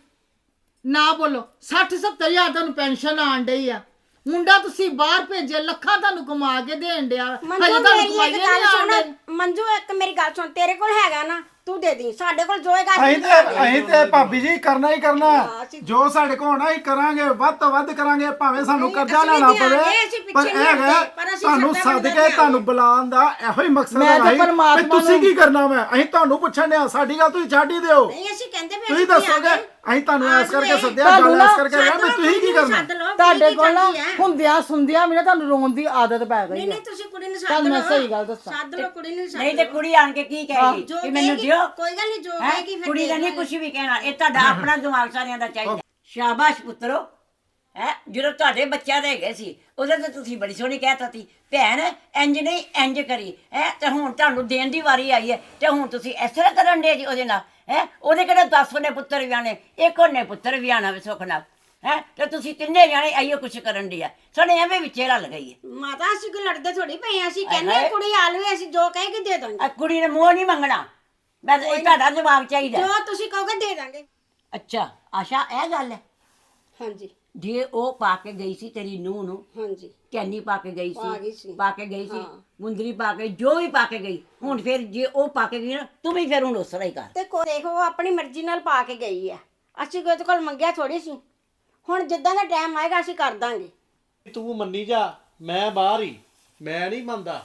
S3: ਨਾ ਬੋਲੋ, ਸੱਠ ਸੱਤਰ ਹਜ਼ਾਰ ਤੁਹਾਨੂੰ ਪੈਨਸ਼ਨ ਆਣ ਡਈ ਆ। ਮੁੰਡਾ ਤੁਸੀਂ ਬਾਹਰ ਭੇਜੇ, ਲੱਖਾਂ ਤੁਹਾਨੂੰ ਕਮਾ ਕੇ ਦੇਣ ਡਿਆ,
S4: ਮੰਜੂ
S3: ਹਜੇ ਤੁਹਾਨੂੰ
S4: ਮੇਰੀ
S3: ਕਮਾਈ
S4: ਇੱਕ
S3: ਨਹੀਂ
S4: ਗੱਲ
S3: ਆਣ ਡਈ।
S4: ਸੁਣ, ਮੰਜੂ ਇੱਕ ਮੇਰੀ ਗੱਲ ਸੁਣ, ਤੇਰੇ ਕੋਲ ਹੈਗਾ ਨਾ, ਤੂੰ ਦੇ ਦੀ, ਸਾਡੇ ਕੋਲ ਜੋ ਹੈਗਾ
S1: ਅਸੀਂ ਤੇ ਅਸੀਂ ਤੇ ਭਾਬੀ ਜੀ ਕਰਨਾ ਹੀ ਕਰਨਾ,
S4: ਅਸੀਂ-
S1: ਜੋ ਸਾਡੇ ਕੋਲ ਹੋਣਾ ਅਸੀਂ ਕਰਾਂਗੇ, ਵੱਧ ਤੋਂ ਵੱਧ ਕਰਾਂਗੇ, ਭਾਵੇਂ ਸਾਨੂੰ
S4: ਨਹੀਂ,
S1: ਕਰਜ਼ਾ
S4: ਅਸੀਂ ਵੀ
S1: ਲੈਣਾ
S4: ਦਿਆਂਗੇ,
S1: ਪਵੇ।
S4: ਅਸੀਂ ਪਿੱਛੇ
S1: ਪਰ
S4: ਨਹੀਂ
S1: ਇਹ ਹੈਗਾ
S4: ਹਟਦੇ, ਪਰ ਅਸੀਂ
S1: ਤੁਹਾਨੂੰ
S4: ਸਰਦਾ
S1: ਸੱਦ
S4: ਬੰਦਾ
S1: ਕੇ
S4: ਦਿਆਂਗੇ।
S1: ਤੁਹਾਨੂੰ ਬੁਲਾਉਣ ਦਾ ਇਹੋ ਹੀ ਮਕਸਦ
S3: ਮੈਂ ਤਾਂ
S1: ਹੈ ਵੀ
S3: ਪਰਮਾਤਮਾ
S1: ਤੁਸੀਂ
S3: ਨੂੰ-
S1: ਕੀ ਕਰਨਾ ਵਾ। ਅਸੀਂ ਤੁਹਾਨੂੰ ਪੁੱਛਣ ਡਿਆ, ਸਾਡੀ ਗੱਲ ਤੁਸੀਂ ਛੱਡ ਹੀ ਦਿਓ।
S4: ਨਹੀਂ, ਅਸੀਂ ਕਹਿੰਦੇ ਵੀ
S1: ਤੁਸੀਂ
S4: ਅਸੀਂ
S1: ਦੱਸੋਗੇ,
S4: ਦਿਆਂਗੇ।
S1: ਅਸੀਂ ਤੁਹਾਨੂੰ ਐਸ ਕਰਕੇ ਸੱਦਿਆ,
S3: ਤੁਹਾਨੂੰ
S1: ਗੱਲ
S3: ਨਾ
S1: ਐਸ ਕਰਕੇ ਰਿਹਾ ਵੀ ਤੁਸੀਂ ਕੀ ਕਰਨਾ।
S3: ਤੁਹਾਡੇ ਕੋਲ ਨਾ ਹੁੰਦਿਆਂ ਸੁਣਦਿਆਂ ਵੀ ਨਾ ਤੁਹਾਨੂੰ ਰੋਣ ਦੀ ਆਦਤ ਪੈ
S4: ਨਹੀਂ
S3: ਗਈ
S4: ਨਹੀਂ,
S3: ਹੈ।
S4: ਤੁਸੀਂ ਕੁੜੀ ਨੂੰ ਸੱਦ
S3: ਤੁਹਾਨੂੰ ਮੈਂ
S4: ਲਓ,
S3: ਸਹੀ ਗੱਲ ਦੱਸਾਂ।
S4: ਸੱਦ ਲਓ ਕੁੜੀ ਨੂੰ, ਸੱਦ
S5: ਨਹੀਂ ਤੇ
S4: ਲਓ।
S5: ਕੁੜੀ ਆਣ ਕੇ ਕੀ ਕਹੇਗੀ
S4: ਜੋ
S5: ਕਿ ਮੈਨੂੰ
S4: ਕਹੇਗੀ,
S5: ਦਿਓ?
S4: ਕੋਈ ਗੱਲ ਨਹੀਂ, ਜੋ
S5: ਹੈਂ?
S4: ਕਹੇਗੀ ਫਿਰ
S5: ਕੁੜੀ ਦਾ
S4: ਦੇ
S5: ਨਹੀਂ
S4: ਦਾਂਗੇ।
S5: ਕੁਝ ਵੀ ਕਹਿਣਾ, ਇਹ ਤੁਹਾਡਾ ਆਪਣਾ ਦਿਮਾਗ ਸਾਰਿਆਂ ਦਾ ਚਾਹੀਦਾ। ਸ਼ਾਬਾਸ਼ ਪੁੱਤਰੋ, ਹੈ ਜਦੋਂ ਤੁਹਾਡੇ ਬੱਚਿਆਂ ਦੇ ਹੈਗੇ ਸੀ ਉਹਦੇ ਤੇ ਤੁਸੀਂ ਬੜੀ ਸੋਹਣੀ ਕਹਿਤਾ ਸੀ ਭੈਣ ਇੰਜ ਨਹੀਂ ਇੰਜ ਕਰੀ ਹੈ, ਤੇ ਹੁਣ ਤੁਹਾਨੂੰ ਦੇਣ ਦੀ ਵਾਰੀ ਆਈ ਹੈ ਤੇ ਹੁਣ ਤੁਸੀਂ ਇਸ ਤਰ੍ਹਾਂ ਕਰਨ ਦੇ ਜੀ ਉਹਦੇ ਨਾਲ ਹੈ। ਉਹਦੇ ਕਿਹੜੇ ਦਸ ਉਹਨੇ ਪੁੱਤਰ ਵਿਆਹਣੇ, ਇੱਕ ਉਹਨੇ ਪੁੱਤਰ ਵਿਆਹਣਾ ਵੇ ਸੁੱਖ ਨਾਲ ਹੈ, ਤੇ ਤੁਸੀਂ ਤਿੰਨੇ ਜਾਣੇ ਆਈਓ ਕੁਛ ਕਰਨ ਦੀ ਆ। ਸਾਡੇ ਐਵੇਂ ਵਿੱਚੇ ਰਲ ਗਈ ਹੈ।
S4: ਮਾਤਾ ਅਸੀਂ ਕੋਈ ਲੜਦੇ ਥੋੜੀ ਪਏ ਆ, ਅਸੀਂ ਕਹਿੰਦੇ
S5: ਹਾਏ।
S4: ਹਾਂ ਕੁੜੀ ਆਲਵੇ, ਅਸੀਂ ਜੋ ਕਹੇਗੀ ਦੇ ਦਾਂਗੇ।
S5: ਆ ਕੁੜੀ ਨੇ ਮੂੰਹ ਨਹੀਂ ਮੰਗਣਾ, ਬਸ ਇਹ ਤੁਹਾਡਾ ਜਵਾਬ ਚਾਹੀਦਾ।
S4: ਜੋ ਤੁਸੀਂ ਕਹੋਗੇ ਦੇ ਦਾਂਗੇ।
S5: ਅੱਛਾ ਆਸ਼ਾ, ਇਹ ਗੱਲ ਹੈ।
S4: ਹਾਂਜੀ
S5: ਜੇ ਉਹ ਪਾ ਕੇ ਗਈ ਸੀ ਤੇਰੀ ਨੂੰਹ ਨੂੰ,
S4: ਹਾਂਜੀ
S5: ਕੈਨੀ ਪਾ ਕੇ ਗਈ
S4: ਪਾ ਗਈ
S5: ਸੀ
S4: ਸੀ।
S5: ਪਾ ਕੇ ਗਈ ਸੀ
S4: ਹਾਂ।
S5: ਮੁੰਦਰੀ ਪਾ ਕੇ, ਜੋ ਵੀ ਪਾ ਕੇ ਗਈ, ਹੁਣ ਫਿਰ ਜੇ ਉਹ ਪਾ ਕੇ ਗਈ ਨਾ ਤੂੰ ਵੀ ਫਿਰ ਹੁਣ ਉਸ ਤਰ੍ਹਾਂ ਹੀ ਕਰ।
S4: ਤੇ ਕੋ ਦੇਖੋ ਉਹ ਆਪਣੀ ਮਰਜ਼ੀ ਨਾਲ ਪਾ ਕੇ ਗਈ ਹੈ, ਅਸੀਂ ਕੋਈ ਉਹਦੇ ਕੋਲ ਮੰਗਿਆ ਥੋੜੀ ਸੀ। ਹੁਣ ਜਿੱਦਾਂ ਦਾ ਟਾਈਮ ਆਏਗਾ ਅਸੀਂ ਕਰ ਦਾਂਗੇ।
S2: ਤੂੰ ਮੰਨੀ ਜਾ, ਮੈਂ ਬਾਹਰ ਹੀ, ਮੈਂ ਨਹੀਂ ਮੰਨਦਾ।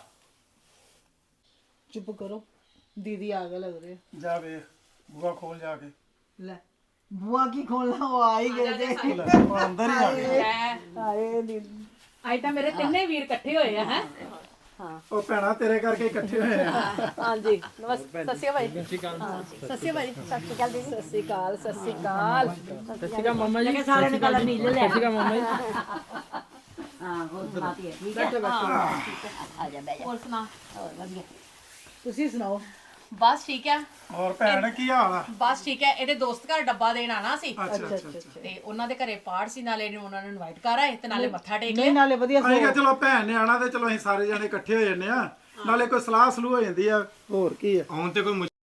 S3: ਚੁੱਪ ਕਰੋ, ਦੀਦੀ ਆ ਗਏ ਲੱਗ ਰਹੇ।
S1: ਜਾ ਵੇ ਬੂਆ ਖੋਲ ਜਾ ਕੇ।
S3: ਲੈ ਬੁਆ ਕੀ ਖੋਲਣਾ, ਉਹ ਆ ਹੀ ਗਏ ਜੇ।
S1: ਉਹ ਅੰਦਰ ਹੀ ਆ ਗਏ।
S3: ਹਾਏ ਦੀਦੀ,
S7: ਅੱਜ ਤਾਂ ਮੇਰੇ ਤਿੰਨੇ ਵੀਰ ਇਕੱਠੇ ਹੋਏ ਆ ਹੈ।
S1: ਉਹ ਭੈਣਾ ਤੇਰੇ ਕਰਕੇ ਇਕੱਠੇ ਹੋਏ ਆ।
S7: ਹਾਂਜੀ ਨਮਸਤੇ, ਸਤਿ ਸ਼੍ਰੀ ਅਕਾਲ ਭਾਈ। ਸਤਿ ਸ਼੍ਰੀ ਅਕਾਲ ਜੀ। ਸਤਿ ਸ਼੍ਰੀ ਅਕਾਲ ਦੀਦੀ। ਸਤਿ ਸ਼੍ਰੀ ਅਕਾਲ, ਸਤਿ ਸ਼੍ਰੀ ਅਕਾਲ। ਸਤਿ ਸ਼੍ਰੀ ਅਕਾਲ ਮੰਮਾ ਜੀ।
S5: ਸਾਰੇ ਨੇ ਕਲਰ ਨੀਲੇ ਲੈ।
S7: ਸਤਿ ਸ਼੍ਰੀ ਅਕਾਲ ਮੰਮਾ ਜੀ।
S5: ਹਾਂ ਹੋਰ ਸੁਣਾਤੀ ਹੈ ਠੀਕ ਹੈ
S3: ਬੈਠੋ ਬੈਠੋ
S5: ਆ ਜਾ ਬਹਿ ਜਾ
S7: ਹੋਰ ਸੁਣਾ
S5: ਹੋਰ ਵਧੀਆ
S3: ਤੁਸੀਂ ਸੁਣਾਓ
S7: ਬਸ ਠੀਕ ਹੈ
S1: ਹੋਰ ਭੈਣ ਕੀ ਹਾਲ ਆ
S7: ਬਸ ਠੀਕ ਹੈ ਇਹਦੇ ਦੋਸਤ ਘਰ ਡੱਬਾ ਦੇਣ ਆਣਾ ਸੀ
S1: ਅੱਛਾ ਅੱਛਾ ਅੱਛਾ
S7: ਤੇ ਉਹਨਾਂ ਦੇ ਘਰੇ ਪਾਠ ਸੀ, ਨਾਲੇ ਇਹਨੂੰ ਉਹਨਾਂ ਨੂੰ ਇਨਵਾਈਟ ਕਰ ਆਏ ਤੇ ਨਾਲੇ ਮੱਥਾ ਟੇਕ
S3: ਨਹੀਂ
S7: ਲਿਆ।
S3: ਨਾਲੇ ਵਧੀਆ
S1: ਅਸੀਂ ਕਿਹਾ ਚਲੋ ਭੈਣ ਨੇ ਆਣਾ ਤੇ ਚਲੋ ਅਸੀਂ ਸਾਰੇ ਜਣੇ ਇਕੱਠੇ ਹੋ ਜੰਨੇ ਆ ਨਾਲੇ ਕੋਈ ਸਲਾਹ ਸਲੂਹ ਹੋ ਜਾਂਦੀ ਆ ਹੋਰ ਕੀ ਆ
S6: ਆਉਣ ਤੇ ਕੋਈ ਮੁਸ਼-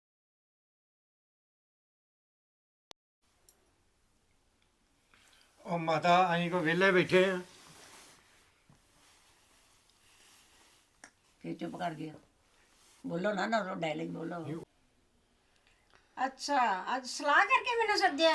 S6: ਉਹ ਮਾਤਾ ਅਸੀਂ ਕੋ ਵਿਹਲੇ ਬੈਠੇ ਆ
S5: ਫਿਰ ਚੁੱਪ ਕਰ ਗਿਆ ਬੋਲੋ ਨਾ ਨਾ ਡਾਇਲੌਗ ਬੋਲੋ
S4: ਅੱਛਾ ਅੱਜ ਸਲਾਹ ਕਰਕੇ ਮੈਨੂੰ ਸੱਦਿਆ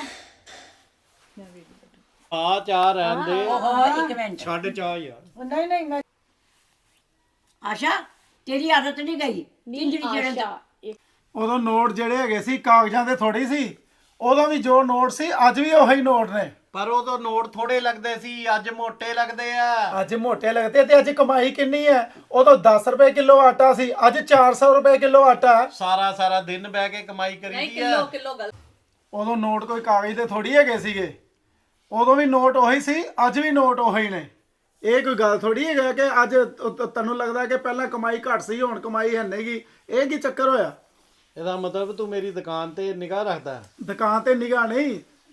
S2: ਆ ਚਾਹ ਰਹਿਣ ਦੇ
S5: ਓਹੋ ਇੱਕ ਮਿੰਟ
S6: ਛੱਡ ਚਾਹ ਯਾਰ
S3: ਨਹੀਂ ਨਹੀਂ ਮੈਂ
S5: ਆਸ਼ਾ ਤੇਰੀ ਆਦਤ ਨਹੀਂ ਗਈ ਤਿੰਜੜੀ ਚੜਨ ਦਾ
S1: ਉਦੋਂ ਨੋਟ ਜਿਹੜੇ ਹੈਗੇ ਸੀ ਕਾਗਜ਼ਾਂ ਦੇ ਥੋੜੀ ਸੀ ਉਦੋਂ ਵੀ ਜੋ ਨੋਟ ਸੀ ਅੱਜ ਵੀ ਉਹੀ ਨੋਟ ਨੇ
S2: ਪਰ ਉਦੋਂ ਨੋਟ ਥੋੜੇ ਲੱਗਦੇ ਸੀ ਅੱਜ ਮੋਟੇ ਲੱਗਦੇ ਆ
S1: ਅੱਜ ਮੋਟੇ ਲੱਗਦੇ ਤੇ ਅੱਜ ਕਮਾਈ ਕਿੰਨੀ ਹੈ ਉਦੋਂ ਦਸ ਰੁਪਏ ਕਿਲੋ ਆਟਾ ਸੀ ਅੱਜ ਚਾਰ ਸੌ ਰੁਪਏ ਕਿਲੋ ਆਟਾ ਹੈ।
S2: ਸਾਰਾ ਸਾਰਾ ਦਿਨ ਬਹਿ ਕੇ ਕਮਾਈ
S7: ਨਹੀਂ
S2: ਕਰੀਦੀ
S7: ਕਿਲੋ
S2: ਆ
S7: ਕਿਲੋ ਗੱਲ
S1: ਉਦੋਂ ਨੋਟ ਕੋਈ ਕਾਗਜ਼ ਦੇ ਥੋੜੀ ਹੈਗੇ ਸੀਗੇ ਉਦੋਂ ਵੀ ਨੋਟ ਉਹੀ ਸੀ ਅੱਜ ਵੀ ਨੋਟ ਉਹੀ ਨੇ ਇਹ ਕੋਈ ਗੱਲ ਥੋੜੀ ਹੈਗਾ ਕਿ ਅੱਜ ਤ- ਤ- ਤੈਨੂੰ ਲੱਗਦਾ ਕਿ ਪਹਿਲਾਂ ਕਮਾਈ ਘੱਟ ਸੀ ਹੁਣ ਕਮਾਈ ਹੈ ਨਹੀਂਗੀ ਇਹ ਕੀ ਚੱਕਰ ਹੋਇਆ
S2: ਇਹਦਾ ਮਤਲਬ ਤੂੰ ਮੇਰੀ ਦੁਕਾਨ ਤੇ ਨਿਗਾਹ ਰੱਖਦਾ
S1: ਦੁਕਾਨ ਤੇ ਨਿਗਾਹ ਨਹੀਂ